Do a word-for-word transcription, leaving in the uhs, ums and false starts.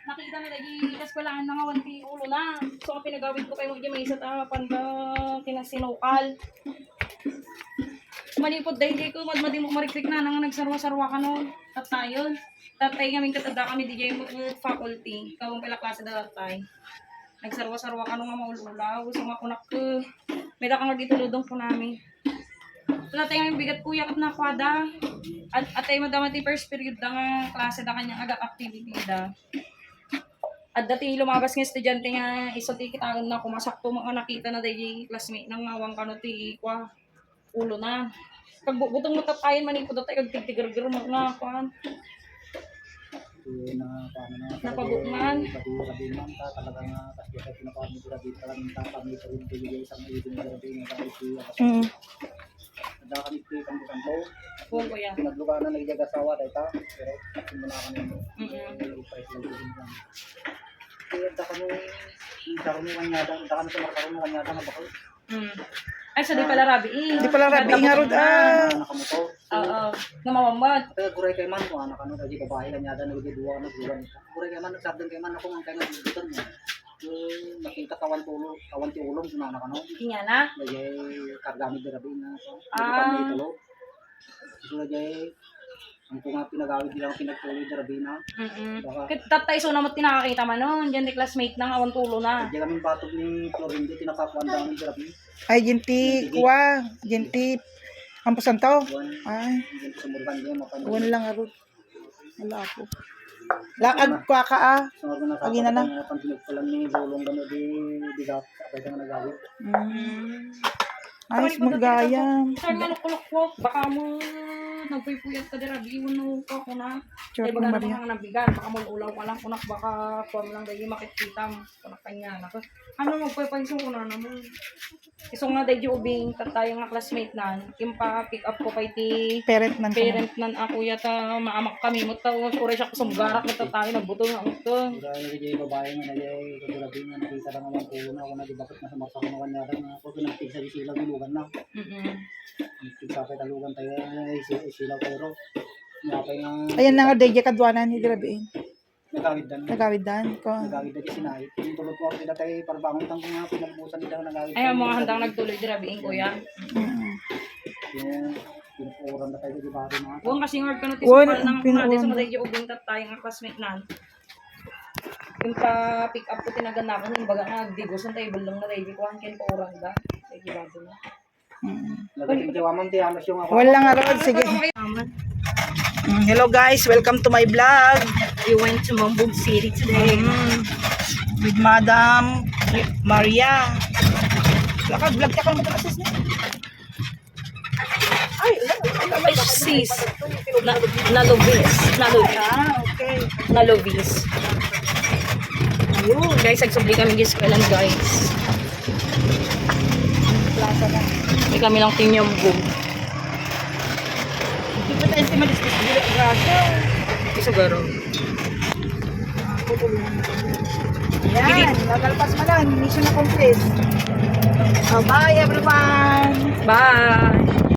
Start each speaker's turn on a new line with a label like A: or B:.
A: nakita na lagi ikas ko lang nga wanti ulo na. So ang pinagawid ko kay mo may isa ta panda kinasinukal. Manipod dahil ko madmadi mo marikrik na nang nagsarwa-sarwa ka no. At tayo. Tatay kaming katada kami D J faculty. Kawang pala klase da tatay. Nagsarwa-sarwa ka no nga maululaw. So nga kunak ko. May da kang dito ludong po namin. Wala tayong bigat kuya kat na kwada. At atay madama ti first period da nga klase da kanyang agak activity da. At dati lumabas ng estudyante nga iso ti kitaon na kumasakto mga nakita na dahi classmate nang ngawang kano ti kwa ulo na. Pag butong matapayan manipod tayo kag tigtigar-gar mo na kwan.
B: na paano na
A: Napabukman.
B: pati sabi man ta talaga nga kasi sa pinapamit ko dito talaga ta kami sa rin bigay sa mga ibig na rin nga ito
A: Mm.
B: ada kami ito kan kanto
A: Oo ko yan.
B: naglugar na nagjaga sawa dai ta pero simula kami
A: Mm.
B: price lang din lang kaya ta kami ta kami kanya ta ta kami sa markaro mo kanya ta nga bakal
A: Mm. Ay sa di pala rabi. Eh.
C: Di pala rabi nga rod ah.
B: nakamoto
A: Oo. Namamamad.
B: pero guray kay man ko anak ano dai babae kanya ta nagduwa na duwan guray kay man nagsabdan kay man ako man kay man dutan mo yung nakita kawan tulo kawan ti ulong na anak ano
A: Inya na.
B: lagi kargamit na rabi na so
A: Ah.
B: tulo so lagi ang kung nga pinagawid nilang pinagtuloy na rabi na
A: Mm.
B: baka
A: Kit tatay so namot tinakakita man noon. Diyan ni classmate nang awan tulo na.
B: di kami batog ni Florinde tinakakuan daw ni rabi
C: Ay, jinti, kuwa, jinti, ampusan tao.
B: buwan
C: Ay,
B: dito sa Murban di mapanood
C: buwan lang arod. Wala ako. Laag kwa ka ah.
B: so nga na
C: Agi na na.
B: sa pantinig ko lang ni bulong gano di bigat abay ka nga nagawid
C: Mm. Ayos magayam.
A: Saan nga nakulok ko? Baka mo nagpuypuyat ka dira biwon no ko ko na.
C: Sure
A: Ay
C: po,
A: baga
C: Maria.
A: naman nabigan, baka mo ulaw ka lang kunak baka form lang dahil makikita mo kunak kanya na. Ano mo pwede ko na naman. Iso nga dahil ubing tayo nga classmate nan, yung pa pick up ko kay ti
C: Parent man ko.
A: parent nan ako yata maamak kami mo taw ko siya ko sumgarak na tayo nagbuto nga ito.
B: Kaya nagiging babae nga nagay kagurabi nga nakita lang naman pulo na ako na di bakit nasa marsa ko naman yata nga ako pinagtig sa silaw nilugan na
A: Mm.
B: nagtig sa kay talugan tayo ay silaw pero napay nga
C: Ayan na nga, dahil kadwanan ni Dirabiin.
B: nagawid dan
C: Nagawid dan ko.
B: nagawid dan sinay yung tulot mo kita tayo parbangon tang nga pinagbusan nila nagawid
A: Ay ang mga handang nagtuloy dira biing kuya.
C: Mm.
B: yung pinupuran na tayo di bari mga
A: Huwag kasi hard ka na
C: Wala,
A: tisupal ng
C: pinuulan
A: natin sa
C: mo.
A: maday yung ubing tayo nga classmate nan. Yung pa pick up ko tinagan ko yung baga nga digos ng tayo balong na tayo kuhan ken pa orang da. Ay gibado na.
C: Mm.
B: nagating tiwaman ti amas yung ako
C: Wala nga rod, sige.
A: Aman.
C: Mm, hello guys, welcome to my vlog.
A: We went to Mambog City today.
C: Mm, with Madam Maria. Lakad, vlog ka kang matakasis na. Ay,
A: Ay sis. Na nalovis. Nalovis.
C: ah, okay.
A: Nalovis. Ayun. Guys, nagsubli kami guys kailan guys.
C: Plaza na.
A: May kami lang tinyambog.
C: Hindi pa tayo si Malistis. Grasya.
A: Isa garo.
C: Yan, nagalpas mo lang. Mission na complete. Oh, bye everyone.
A: Bye.